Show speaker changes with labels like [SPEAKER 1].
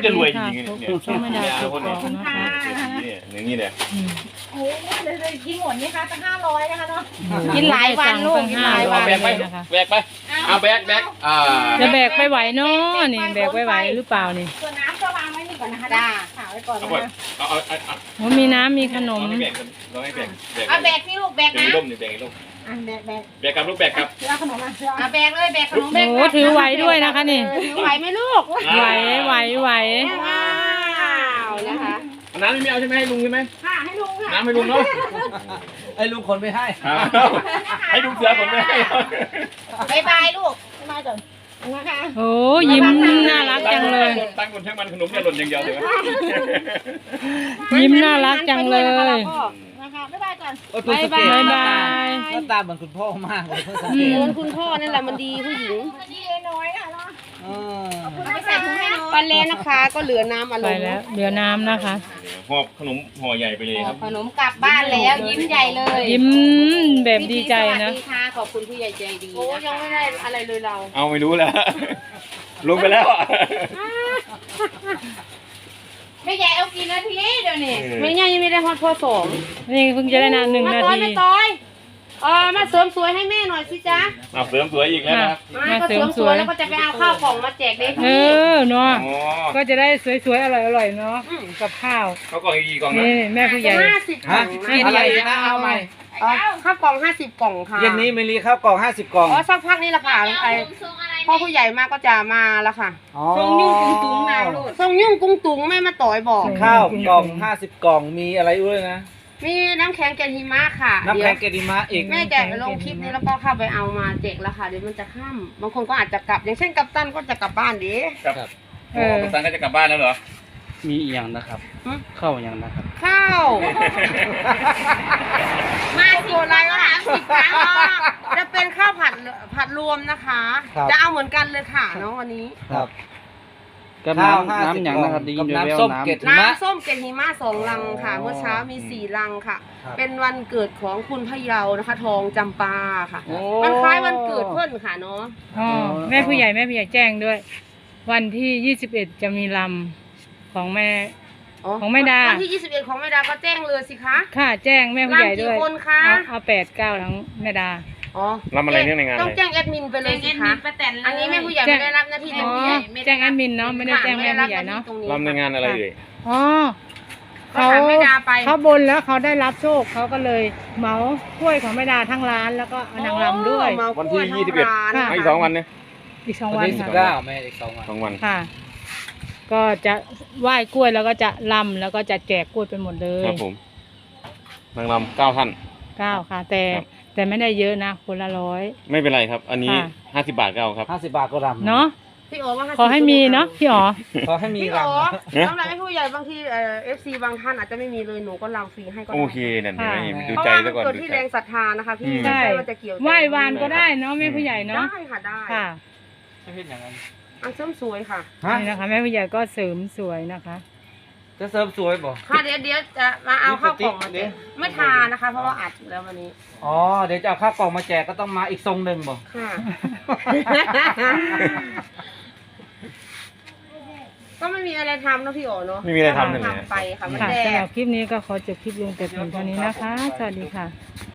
[SPEAKER 1] จะรวยจริงๆเนี่ย
[SPEAKER 2] ช่องไม่ได้ถูกต้องนะคะ
[SPEAKER 1] อย่างนี้เนี่ย
[SPEAKER 3] โอ้เดี๋ยวกินหมดนี่คะตั้ง500นะคะเนาะ
[SPEAKER 2] กินหลายวันลูกกินหลายวัน
[SPEAKER 1] แบกไป
[SPEAKER 2] นะคะ
[SPEAKER 1] แบกไปเอาแบก
[SPEAKER 2] จะแบกไปไหวเนาะนี่แบกไปไหวหรือเปล่านี่
[SPEAKER 3] ส่วนน้ำก็วางไว้นี่ก่อนนะคะจ้าขาวไว้ก่อนนะคะ
[SPEAKER 1] เอา
[SPEAKER 2] มีน้ำมีขนม
[SPEAKER 1] ลองให้แบก
[SPEAKER 3] เอาแบกนี่ลูกแบก
[SPEAKER 1] แบก
[SPEAKER 3] นะ
[SPEAKER 1] ร่มนี่แบกร่ม
[SPEAKER 3] แบก
[SPEAKER 1] แบกกับลูกแบกกับ
[SPEAKER 3] เอาขนมมาเอาแบกเลยแบกขนมแบก
[SPEAKER 2] โอ้ถือไหวด้วยนะคะนี่
[SPEAKER 3] ถือไหวไหมลูก
[SPEAKER 2] ไหวไหว
[SPEAKER 3] ว้าวนะคะ
[SPEAKER 1] น้ำไม่เอาใช่ไหมให้ลุงใช่ไหม
[SPEAKER 3] ค่ะให้ลุงค่ะ
[SPEAKER 1] น้ำให้ลุงเนาะ
[SPEAKER 4] ไอ้ลุงขนไปให้
[SPEAKER 1] ให้ลุงเสือผมไม่ให้
[SPEAKER 3] บายบายลูกบายก่อนนะคะ
[SPEAKER 2] โอ้ยิ้มน่ารักจังเลย
[SPEAKER 1] ตั้งคนช่างมันขนมอย่าหล่นอย่างเดียวเลย
[SPEAKER 2] ยิ้มน่ารักจังเลย
[SPEAKER 3] นะคะบ๊ายบายก่อน
[SPEAKER 4] โอ้ยเพิ่งสังเกต
[SPEAKER 2] บ๊ายบาย
[SPEAKER 4] หน้าตาเหมือนคุณพ่อมากเลยเพิ่งสังเกต
[SPEAKER 3] เหมือนคุณพ่อนั่นแหละมันดีผู้หญิงดีน้อยค่ะเนาะ
[SPEAKER 4] เออ
[SPEAKER 3] เอาไปใส่ถุงให้น้องปลาเลนะคะก็เหลือน้ำอาร
[SPEAKER 2] ไป
[SPEAKER 3] มณ์
[SPEAKER 2] แล้วเหลือน้ำนะคะ
[SPEAKER 1] หอบขนมห่อใหญ่ไปเลยครับ
[SPEAKER 3] ขนมกลับบ้านแล้วยิ้มใหญ่เลย
[SPEAKER 2] ยิ้มแบบดีใจนะ
[SPEAKER 3] สวัสดีค่ะขอบคุณผู้ใหญ่ใจดีโอ้ยังไม่ได้อะไรเลยเรา
[SPEAKER 1] เอาไม่รู้แล้วลงไปแล้ว
[SPEAKER 3] ไม่ใหญ่เอากี่นาทีเดี๋ยวนี้ไม่ใหญ่ยังไม่ได้ฮอตพอสอง
[SPEAKER 2] นี่เพิ่งจะได้นาน1 นาที
[SPEAKER 3] ไม่ต้อยมาเสริมสวยให้แม่หน่อยสิจ๊ะ
[SPEAKER 1] เอาเสริมสวยอีกแล้วนะ
[SPEAKER 2] มา
[SPEAKER 3] ก็
[SPEAKER 2] เสริ
[SPEAKER 3] เสริ
[SPEAKER 2] ม
[SPEAKER 3] ม
[SPEAKER 2] ส
[SPEAKER 3] ส
[SPEAKER 2] ว
[SPEAKER 3] วย ยแล้วก็จะไปเอาข้าวกล่องมาแจกเด็ก
[SPEAKER 2] เนาะ
[SPEAKER 1] อ๋อ
[SPEAKER 2] ก็จะได้สวยๆอร่อยๆเนาะกับข้าว
[SPEAKER 1] เขากล่องอีกกล่องนะ
[SPEAKER 2] นี่แม่ผู้ใหญ่
[SPEAKER 3] 50กล่
[SPEAKER 4] ฮะ
[SPEAKER 3] อง
[SPEAKER 4] อะไรนะเอาใหม่
[SPEAKER 3] ข้าวกล่อง50กล่องค่ะ
[SPEAKER 4] เย็นนี้มิลลีข้าวกล่อง50 กล่อง
[SPEAKER 3] สักพักนี่แหละค่ะพ่อผู้ใหญ่มาก็จะมาแล้วค่ะ
[SPEAKER 4] อ๋อ
[SPEAKER 3] ทรงยุ่งกุ้งตุงแม่มาต่อยบอก
[SPEAKER 4] ข้าวกล่อง50 กล่องมีอะไรด้วยนะ
[SPEAKER 3] มีน้ำแข็งแกงหิมะค่ะ
[SPEAKER 4] น้ำแข็งเกดิมะอีก
[SPEAKER 3] แม่จะลงคลิปนี้แล้วก็เข้าไปเอามาแจกแล้วค่ะเดี๋ยวมันจะค่ำบางคนก็อาจจะกลับ อย่างเช่นกัปตันก็จะกลับบ้านดิ
[SPEAKER 1] ครับโอ้กัปตันก็จะกลับบ้านแล้วเหรอ
[SPEAKER 4] มีอีกอย่างนะครับเข้าอย่างนะครับ
[SPEAKER 3] ข้าวมาสิอะไรก็ถาม10 ครั้งจะเป็นข้าวผัดรวมนะคะ จะเอาเหมือนกันเลยค่ะน้องวันนี้
[SPEAKER 4] ครับ
[SPEAKER 5] กับ
[SPEAKER 4] ข้าว
[SPEAKER 5] น้ำอย่างนะครับ
[SPEAKER 4] กับ
[SPEAKER 5] ดี
[SPEAKER 4] น้ำส้มเกล็ดหิมะ
[SPEAKER 3] น้ำส้มเกล็ดหิมะ2 ลังค่ะ เมื่อเช้ามี4 ลังค่ะ
[SPEAKER 4] ครับ
[SPEAKER 3] เป็นวันเกิดของคุณพะเยานะคะ ทองจำปาค่ะ
[SPEAKER 4] โอ้
[SPEAKER 3] มันคล้ายวันเกิดเพื่อนค่ะเนาะ
[SPEAKER 2] อ๋อแม่ผู้ใหญ่แจ้งด้วย วันที่21จะมีลำของแม่ ของแม่ดา
[SPEAKER 3] วันที่21ของแม่ดาก็แจ้งเลยสิคะ
[SPEAKER 2] ค่ะแจ้งแม่ผู้ใหญ่ด้วย
[SPEAKER 3] ลำกี่คนคะ
[SPEAKER 2] เอา8 9ทั้งแม่ดา
[SPEAKER 3] อ๋อ
[SPEAKER 1] รำอะไรเนี่ยในงาน
[SPEAKER 3] ต้อง
[SPEAKER 1] เลย
[SPEAKER 3] แจ้งแอดมินไปเลยสิคะอันนี้แม่ผู้ใหญ่ไม่ได้รับหน้าที่ต
[SPEAKER 2] อ๋
[SPEAKER 3] ร
[SPEAKER 2] อง
[SPEAKER 3] นี้
[SPEAKER 2] แจ้งแอดมินเนาะไม่ได้แจ้งแม่ผู้ใหญ่เนาะ
[SPEAKER 1] รำในงานอะไรเลย
[SPEAKER 2] อ๋อ
[SPEAKER 3] ก็ถามแม่ดาไป
[SPEAKER 2] เขาบนแล้วเขาได้รับโชคเขาก็เลยเหมาถ้วยของแม่ดาทั้งร้านแล้วก็เอานางรำด้วย
[SPEAKER 3] โอ้
[SPEAKER 1] วันที่
[SPEAKER 3] มา
[SPEAKER 1] 21
[SPEAKER 3] ร้าน
[SPEAKER 2] ค่ะ
[SPEAKER 1] อีก2 วันเนี่ย
[SPEAKER 2] อีก2
[SPEAKER 4] วั
[SPEAKER 2] วัน น
[SPEAKER 4] ที่
[SPEAKER 2] ค่ะ
[SPEAKER 4] 19แม่อีก2 วัน
[SPEAKER 1] 2 วัน
[SPEAKER 2] ค่ะ ก็จะไหว้กล้วยแล้วก็จะรำแล้วก็จะแจกกล้วยไปหมดเลย
[SPEAKER 1] ครับผมนางรำ9 ท่าน
[SPEAKER 2] 9ค่ะ
[SPEAKER 1] ครับ
[SPEAKER 2] แต่ไม่ได้เยอะนะคนละ100
[SPEAKER 1] ไม่เป็นไรครับ อันนี้
[SPEAKER 2] ค่ะ
[SPEAKER 1] 50 บาทก็เอาครับ
[SPEAKER 4] 50 บาทก็รำ
[SPEAKER 2] เนาะ
[SPEAKER 3] พี่โอว่า
[SPEAKER 2] ขอให้มีเนาะพี่อ๋อ
[SPEAKER 4] ขอให้มี
[SPEAKER 3] พี่โอ
[SPEAKER 4] รำนะ
[SPEAKER 3] สำหรับแม่ผู้ใหญ่บางทีFC บางท่านอาจจะไม่มีเลยหนูก็รำฟรีให้ก็ได้
[SPEAKER 1] โอเคนั่นเห็นไหมดู
[SPEAKER 3] เพราะ
[SPEAKER 1] ใจ
[SPEAKER 3] ว่า
[SPEAKER 1] ซะ
[SPEAKER 3] มัน
[SPEAKER 1] ก่อน
[SPEAKER 3] เกิด
[SPEAKER 1] ดู
[SPEAKER 3] ที่
[SPEAKER 1] ใจ
[SPEAKER 3] แรงศรัทธานะคะพี่
[SPEAKER 2] ใช่
[SPEAKER 3] ไม่ว่าจะเกี่ยว
[SPEAKER 2] ไหว้วานก็ได้เนาะแม่ผู้ใหญ่เนาะ
[SPEAKER 3] ได้ค่ะได้
[SPEAKER 2] ค่ะ
[SPEAKER 4] ไม่เป็นอย่างนั้น
[SPEAKER 3] อันเสริมสวยค่ะ
[SPEAKER 4] ฮะ
[SPEAKER 2] นี่นะคะแม่ผู้ใหญ่ก็เสริมสวยนะคะ
[SPEAKER 4] จะเสริมสวยบ่
[SPEAKER 3] ค่ะเดี๋ยวจะมาเอาข้าวกล่องมา
[SPEAKER 4] เดี๋
[SPEAKER 3] แจ
[SPEAKER 4] ยว
[SPEAKER 3] กไม่ทานะคะ เพราะว่าอัดแล้ววันนี้
[SPEAKER 4] อ๋อเดี๋ยวจะเอาข้าวกล่องมาแจกก็ต้องมาอีกทรงหนึ่งบ่
[SPEAKER 3] ค่ะ ก็ไม่มีอะไรทำเนอะพี่โอเนาะ
[SPEAKER 1] ไม่มีอะไรทำเลยนะ
[SPEAKER 3] ทำไปค่ะมัน
[SPEAKER 2] ค่ะ
[SPEAKER 3] แด
[SPEAKER 2] สำหรั
[SPEAKER 3] ด
[SPEAKER 2] บคลิปนี้ก็ขอจบคลิปลงแต่เพียงเท่านี้นะคะ สวัสดีค่ะ